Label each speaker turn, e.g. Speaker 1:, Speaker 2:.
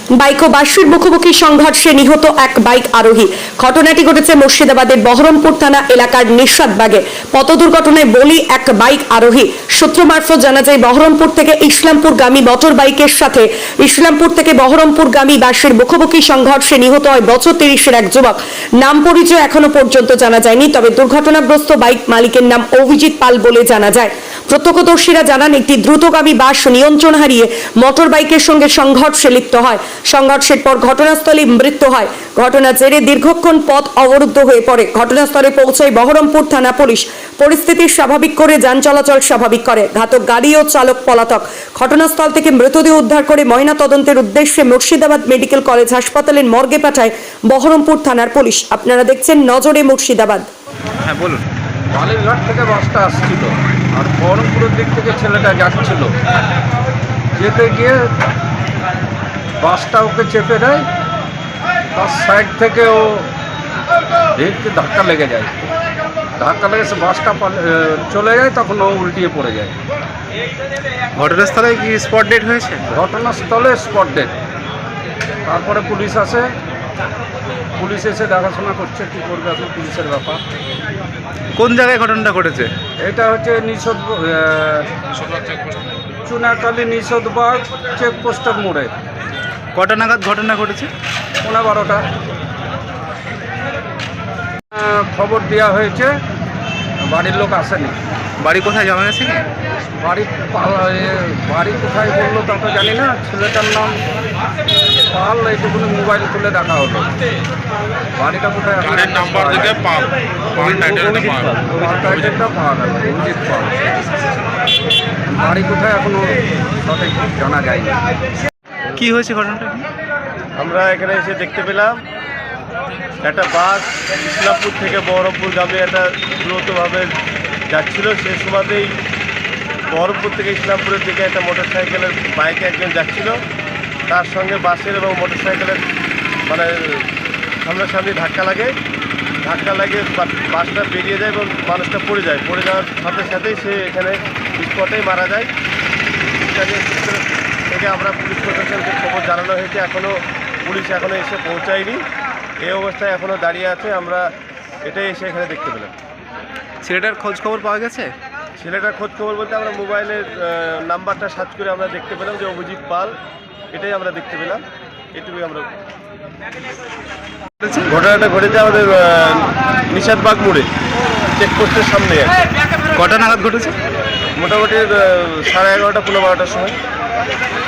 Speaker 1: Bike ও বাসের মুখোমুখি সংঘর্ষে নিহত এক বাইক আরোহী। ঘটনাটি ঘটেছে মুর্শিদাবাদের বহরমপুর থানা এলাকার নিশাদবাগে। পথ দুর্ঘটনায় বলি এক বাইক আরোহী। সূত্র মারফত জানা যায়, বহরমপুর থেকে ইসলামপুরগামী মোটর বাইকের সাথে ইসলামপুর থেকে বহরমপুরগামী বাসের মুখোমুখি সংঘর্ষে নিহত হয় বছর 30-এর এক যুবক। নাম পরিচয় এখনো পর্যন্ত জানা যায়নি, তবে দুর্ঘটনাগ্রস্ত বাইক মালিকের নাম অভিজিৎ পাল বলে জানা যায়। প্রত্যক্ষদর্শীরা জানান, একটি দ্রুতগামী বাস নিয়ন্ত্রণ হারিয়ে মোটর বাইকের সঙ্গে সংঘর্ষে লিপ্ত হয়। সংঘর্ষের পর ঘটনাস্থলে মৃত্যু হয়। ঘটনার জেরে দীর্ঘক্ষণ পথ অবরুদ্ধ হয়ে পড়ে। ঘটনাস্থলে পৌঁছায় বহরমপুর থানা পুলিশ। পরিস্থিতি স্বাভাবিক করে যান চলাচল স্বাভাবিক করে। ঘাতক গাড়ি ও চালক পলাতক। ঘটনাস্থল থেকে মৃতদেহ উদ্ধার করে ময়না তদন্তের উদ্দেশ্যে মুর্শিদাবাদ মেডিকেল কলেজ হাসপাতালের মর্গে পাঠায় বহরমপুর থানার পুলিশ। আপনারা দেখছেন নজরে মুর্শিদাবাদ।
Speaker 2: হ্যাঁ বলুন।
Speaker 3: বালিরঘাট থেকে বাসটা আসছিল আর বহরমপুরের দিক থেকে ছেলেটা যাচ্ছিল। যেতে গিয়ে বাসটা ওকে চেপে দেয়, তার সাইড থেকে ও ভেটকে ধাক্কা লেগে যায়। ধাক্কা লেগে সে বাসটা চলে যায়, তখন ও উল্টিয়ে পড়ে যায়।
Speaker 2: ঘটনাস্থলে কি স্পট ডেট হয়েছে?
Speaker 3: ঘটনাস্থলে স্পট ডেট। তারপরে পুলিশ আসে, পুলিশ এসে দেখাশোনা করছে, কী করবে এখন পুলিশের ব্যাপার।
Speaker 2: কোন জায়গায় ঘটনাটা ঘটেছে?
Speaker 3: এটা হচ্ছে চুনাকালী নিষদবাগ চেকপোস্টের মোড়ে।
Speaker 2: কটা নাগাদ ঘটনা ঘটেছে?
Speaker 3: 12:15 খবর দেওয়া হয়েছে, বাড়ির লোক আসেনি।
Speaker 2: বাড়ি কোথায় জানা গেছে?
Speaker 3: বাড়ি কোথায় বললো তা তো জানি না। ছেলেটার নাম পাল, এইটুকুনি মোবাইল খুলে দেখা হলো। বাড়িটা কোথায়?
Speaker 4: নাম্বার থেকে পাল
Speaker 3: টাইটেলটা পাওয়া গেল, অভিজিৎ পাল। বাড়ি কোথায় এখনো সঠিক জানা যায়নি।
Speaker 2: কি হয়েছে ঘটনাটা?
Speaker 5: আমরা এখানে এসে দেখতে পেলাম একটা বাস ইসলামপুর থেকে বহরমপুরগামী একটা দ্রুতভাবে যাচ্ছিল। সেই সময়তেই বহরমপুর থেকে ইসলামপুরের দিকে একটা মোটরসাইকেলের বাইকে একজন যাচ্ছিল। তার সঙ্গে বাসের এবং মোটরসাইকেলের সামনাসামনি ধাক্কা লাগে। বাসটা বেরিয়ে যায় এবং মানুষটা পড়ে যায়। পড়ে যাওয়ার সাথে সাথেই সে এখানে স্পটেই মারা যায়। থেকে আমরা পুলিশ প্রশাসনকে খবর জানানো হয়েছে, পুলিশ এখনও এসে পৌঁছায়নি। এই অবস্থায় এখনও দাঁড়িয়ে আছে। আমরা এটাই এসে এখানে দেখতে পেলাম।
Speaker 2: ছেলেটার খোঁজ খবর পাওয়া গেছে?
Speaker 5: ছেলেটার খোঁজ খবর বলতে আমরা মোবাইলের নাম্বারটা সার্চ করে আমরা দেখতে পেলাম যে অভিজিৎ পাল, এটাই আমরা দেখতে পেলাম। এটুকুই আমরা। ঘটনাটা ঘটেছে আমাদের নিশাদবাগ মোড়ে, চেকপোস্টের সামনে।
Speaker 2: কটা নাগাদ ঘটেছে?
Speaker 5: মোটামুটি 11:30 15-12টার সময়।